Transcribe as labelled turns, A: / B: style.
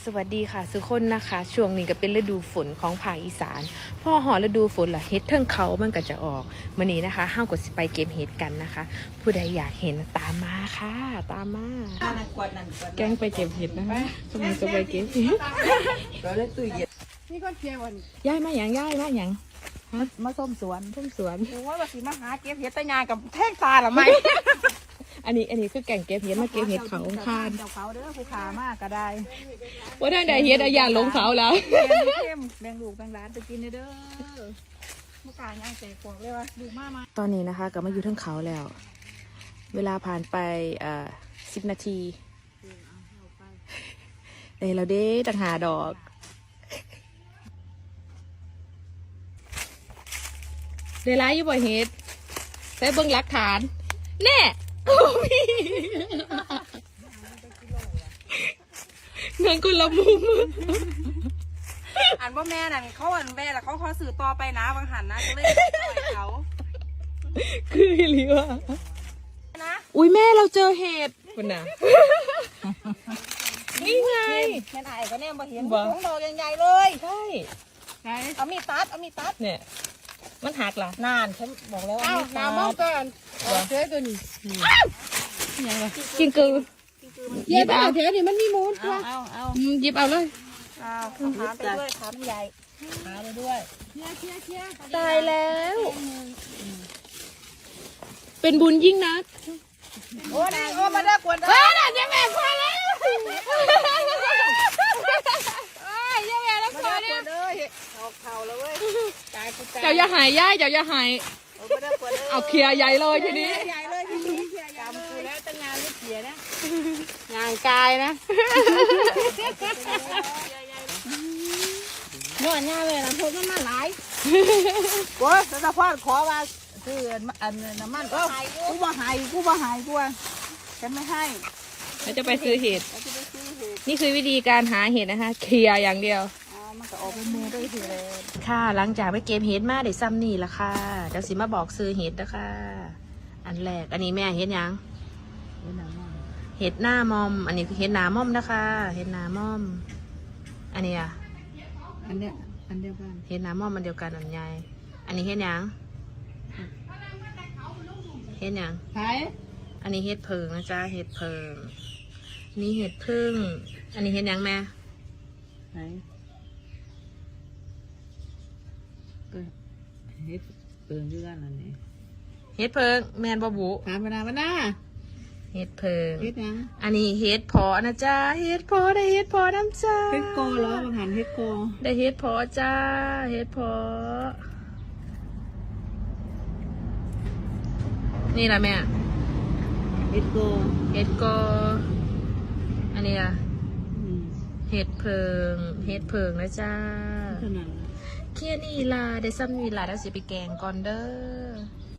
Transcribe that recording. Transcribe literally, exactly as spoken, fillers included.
A: สวัสดีค่ะทุกคนนะคะช่วงนี้ก็เป็นฤดูฝนของภาคอีสานพอหอฤดูฝนล่ะเฮ็ดเทิงเขามันก็จะออกมื้อนี้นะคะห้าวกดสิไปเก็บเห็ดกันนะคะ ผู้ใดอยากเห็นตามมาค่ะตามมาแกงไปเก็บเห็ดนะคะกำลังจะไปเก็บเห็ด
B: ก็เลยตู้เย็น
C: นี่ก็เทียวัน
A: ย้ายมาหยังย้ายมาหยัง
C: มาส้มสวน
A: ทุ่มสวน
C: โอ้ยว่าสิมาหาเก็บเห็ดตะยากับแท่งตาหรือไม่
A: อันนี้อันนี้คือแกงเก็บเห็ดมาเก็บเห็ดเขาคาน
C: เจ้าเขาเด้อผู้ขามากก็ได้
A: ว่าทางใดเห็ดอะอย่าลงเขาแล้ว
C: แบ่งเข้มแบ่งลูกแบ่งร้านไปกินเด้อเมื่อการย่างแจกของเลยว่าดูมามา
A: ตอนนี้นะคะก็มาอยู่เทั้งเขาแล้ว เวลาผ่านไปอ่าสิบนาทีเอ้ยเราเด้ต่างหาดอกเดร้ายอยู่บ่เฮ็ดใส่เบิ่งหลักฐานแน่โอ้มีเงินคนละมุม
C: อันว่าแม่นั่นเขาอันแม่แล้วเขาขอสื่อต่อไปนะบางหันนะก็เลยปล่อยเขา
A: คือหรือว่า
C: นะ
A: อุ้ยแม่เราเจอเห็ดคุณน่ะ นี่ไง
C: แม่นไอ้ก็แน่มาเห็น
A: บ่
C: ของดอกใหญ่ๆเลย
A: ใช่
C: เอามีดตัดเอามีดตัด
A: เนี่ยมันหักล่ะ
C: นานฉันบอกแล้วว่า
B: อ้าว
C: มีดตั
B: น้ำมอง
C: ด
B: ก่อนเจ๊ตัวนี้
A: กินกือ
B: เจ๊ตัวเจ๊นี่มันมีมูล
C: เอาเอาเอา
A: อืมหยิบเอาเลย
C: เอาถามไปด้วยถามใหญ่ถามไปด้วย
A: ตายแล้ว เป็นบุญยิ่งนัก
C: โอ้นี่โอ้มาได้กวนได้
A: เฮ้ยน่ะเจ๊แม่พอแล้วเอ้ยเจ๊แม่แล้ว
C: มา
A: พอ
C: ได้ก
A: แล้ว
C: วนเลยออกเข่าแล้วเว้ยตายกูตาย
A: เจ้าอย่าหายย่ายเจ้าอย่าหาย
C: เอามาได้กวนเลย
A: เอาเคลียร์ใหญ่เลยทีนี้
C: ใหญ่เลยทีนี้กำกูแล้วตั้งงานไม่เสียนะ
B: งานกายนะ
C: นวดง่ายเลยนะพวกมันมาหลายโอ้ยสะพานขอว่าคืออันน้ำมันก็กูบ่หายกูบ่หายกูว่าฉันไม่ให้
A: เราจะไปซื้อเห็ด
C: เราจะไปซื้อเห็ด
A: นี่คือวิธีการหาเห็ดนะคะ เคลียร์อย่างเดียว
C: อ๋อมันก็ออกเป็นมือด้วยทีเลย
A: ค่ะหลังจากไปเก็บเห็ดมาได้ซ้ำนี่ละค่ะเดี๋ยวสิมาบอกซื้อเห็ดนะคะอันแรกอันนี้แม่เห็ดหยังเห็ดหน้ามอม อันนี้คือเห็ดหนามอมนะคะ เห็ดหนามอม อันนี้อ่ะ
B: อันเนี้ยอันเดียวกัน
A: เห็ดหนามอมมันเดียวกันอันใหญ่อันนี้เห็ดหยังเห็ดหยัง
B: ขาย
A: อันนี้เห็ดเพิงนะจ๊ะเห็ดเพิงนี่เห็ดพึ่งอันนี้เห็ดหยังแม่
B: ขายเฮ็ดเปิดด้วยกันอันนี้
A: เห็ดเพิงแมนบะบุ
B: ถามมานามานา
A: เห็ดเพิง
B: เฮ็ดยัง
A: อันนี้เห็ดพอนะจ๊ะเห็ดพอได้เห็ดพอน้ำจ้า
B: เฮ็ดโกเหรอบางหันเฮ็ดโก
A: ได้เห็ดพอจ้าเห็ดพอนี่ละแม่
B: เฮ็ดโก
A: เห็ดก็อันนี้อะ
B: อืม
A: เห็ดเพิงเห็ดเพิงนะจ้า
B: เท่านั้น
A: เคี่ยนี่ล่ะได้ซ้ำนี่ล่ะแล้วสิไปแกงก่อนเด้อ